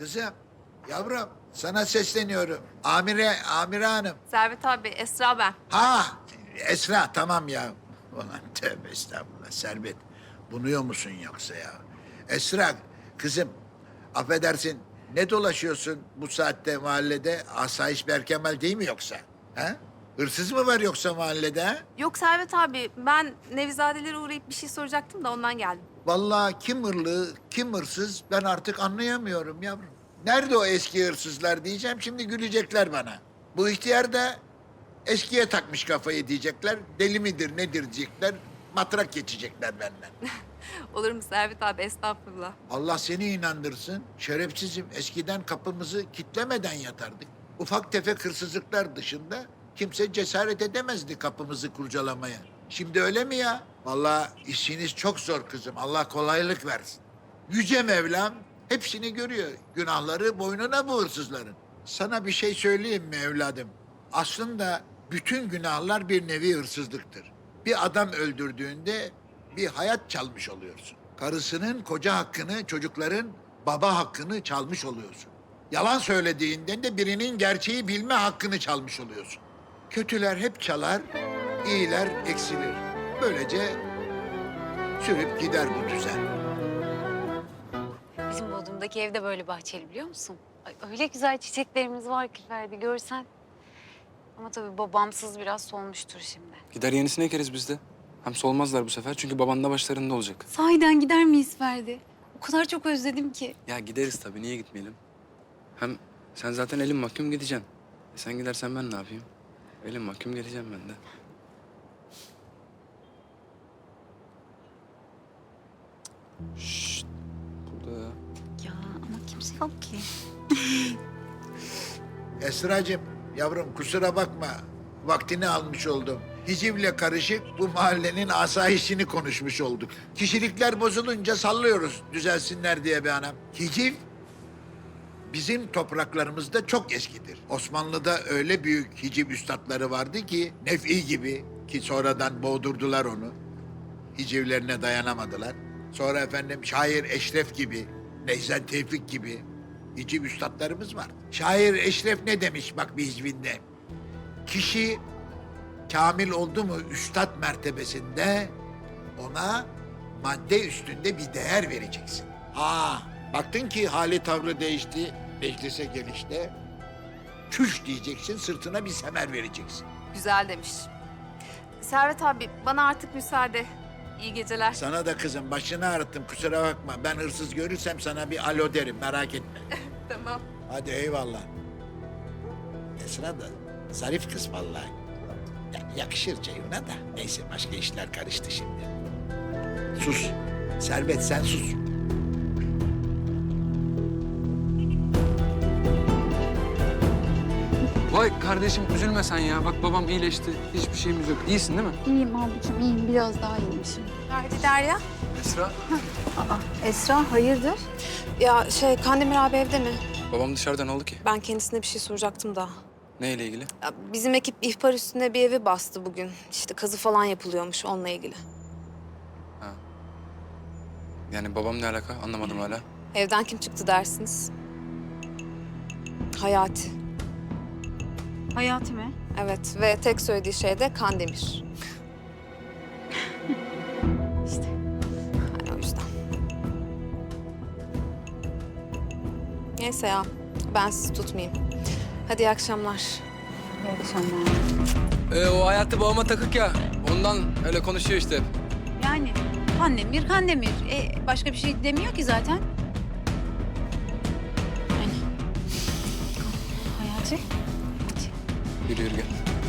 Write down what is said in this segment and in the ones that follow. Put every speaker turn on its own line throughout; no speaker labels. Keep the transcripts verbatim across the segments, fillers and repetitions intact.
Kızım, yavrum sana sesleniyorum. Amire, Amire Hanım.
Servet abi, Esra ben.
Ha, Esra tamam ya. Ulan tövbe estağfurullah Servet. Bunuyor musun yoksa ya? Esra, kızım affedersin ne dolaşıyorsun bu saatte mahallede? Asayiş Berkemal değil mi yoksa? Ha? Hırsız mı var yoksa mahallede ha?
Yok Servet abi, ben Nevizadelere uğrayıp bir şey soracaktım da ondan geldim.
Vallahi kim hırlı, kim hırsız ben artık anlayamıyorum yavrum. Nerede o eski hırsızlar diyeceğim, şimdi gülecekler bana. Bu ihtiyar da eskiye takmış kafayı diyecekler. Deli midir nedir diyecekler. Matrak geçecekler benden.
Olur mu Servet abi, estağfurullah.
Allah seni inandırsın. Şerefsizim, eskiden kapımızı kitlemeden yatardık. Ufak tefek hırsızlıklar dışında kimse cesaret edemezdi kapımızı kurcalamaya. Şimdi öyle mi ya? Vallahi işiniz çok zor kızım. Allah kolaylık versin. Yüce Mevlam hepsini görüyor. Günahları boynuna bu hırsızların. Sana bir şey söyleyeyim mi evladım? Aslında bütün günahlar bir nevi hırsızlıktır. Bir adam öldürdüğünde bir hayat çalmış oluyorsun. Karısının koca hakkını, çocukların baba hakkını çalmış oluyorsun. Yalan söylediğinden de birinin gerçeği bilme hakkını çalmış oluyorsun. Kötüler hep çalar, iyiler eksilir. Böylece sürüp gider bu düzen.
Bizim Bodrum'daki ev de böyle bahçeli biliyor musun? Ay, öyle güzel çiçeklerimiz var ki Ferdi görsen. Ama tabii babamsız biraz solmuştur şimdi.
Gider yenisini ekeriz biz de. Hem solmazlar bu sefer çünkü baban da başlarında olacak.
Sahiden gider miyiz Ferdi? O kadar çok özledim ki.
Ya gideriz tabii, niye gitmeyelim? Hem sen zaten elin mahkum gideceksin. E sen gidersen ben ne yapayım? Elin mahkum geleceğim ben de. Şşt. Burada ya.
Ya ama kimse yok ki.
Esracığım, yavrum kusura bakma. Vaktini almış oldum. Hicivle karışık bu mahallenin asayişini konuşmuş olduk. Kişilikler bozulunca sallıyoruz düzelsinler diye be anam. Hiciv bizim topraklarımızda çok eskidir. Osmanlı'da öyle büyük hiciv üstadları vardı ki Nef'i gibi ki sonradan boğdurdular onu. Hicivlerine dayanamadılar. Sonra efendim şair Eşref gibi, Neyzen Tevfik gibi hiciv üstadlarımız var. Şair Eşref ne demiş bak bir hicvinde? Kişi kamil oldu mu üstad mertebesinde ona madde üstünde bir değer vereceksin. Ha, baktın ki hali tavrı değişti, meclise gelişte çüş diyeceksin, sırtına bir semer vereceksin.
Güzel demiş. Servet abi, bana artık müsaade. İyi geceler.
Sana da kızım başını ağrıttım kusura bakma. Ben hırsız görürsem sana bir alo derim merak etme.
Tamam.
Hadi eyvallah. Esra da zarif kız vallahi. Ya, yakışır Ceyhun'a da. Neyse başka işler karıştı şimdi. Sus. Servet sen sus.
Vay kardeşim üzülme sen ya. Bak babam iyileşti. Hiçbir şeyimiz yok. İyisin değil mi?
İyiyim abicim, iyiyim. Biraz daha iyiymişim.
Ferdi, Derya.
Esra.
Aa, Esra hayırdır?
Ya şey, Kandemir abi evde mi?
Babam dışarıda, ne oldu ki?
Ben kendisine bir şey soracaktım da.
Neyle ilgili?
Ya, bizim ekip ihbar üstüne bir evi bastı bugün. İşte kazı falan yapılıyormuş onunla ilgili.
Yani babam ne alaka? Anlamadım hala.
Evden kim çıktı dersiniz? Hayati.
Hayati mi?
Evet ve tek söylediği şey de Kandemir. İşte. Yani o yüzden. Neyse ya, ben sizi tutmayayım. Hadi iyi akşamlar.
İyi akşamlar.
Ee, o hayatı babama takık ya. Ondan öyle konuşuyor işte.
Yani Kandemir, Kandemir. E, başka bir şey demiyor ki zaten. Yani. Hayati. Hadi.
Yürü yürü gel.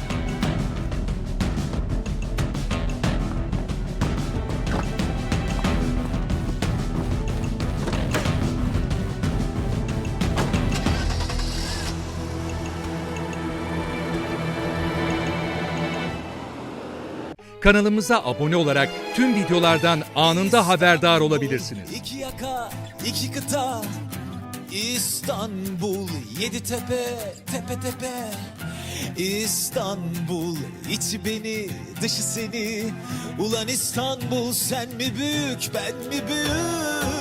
Kanalımıza abone olarak tüm videolardan anında haberdar olabilirsiniz.
İki yaka, iki kıta, İstanbul, yedi tepe, tepe tepe. İstanbul, içi beni, dışı seni. Ulan İstanbul, sen mi büyük, ben mi büyük?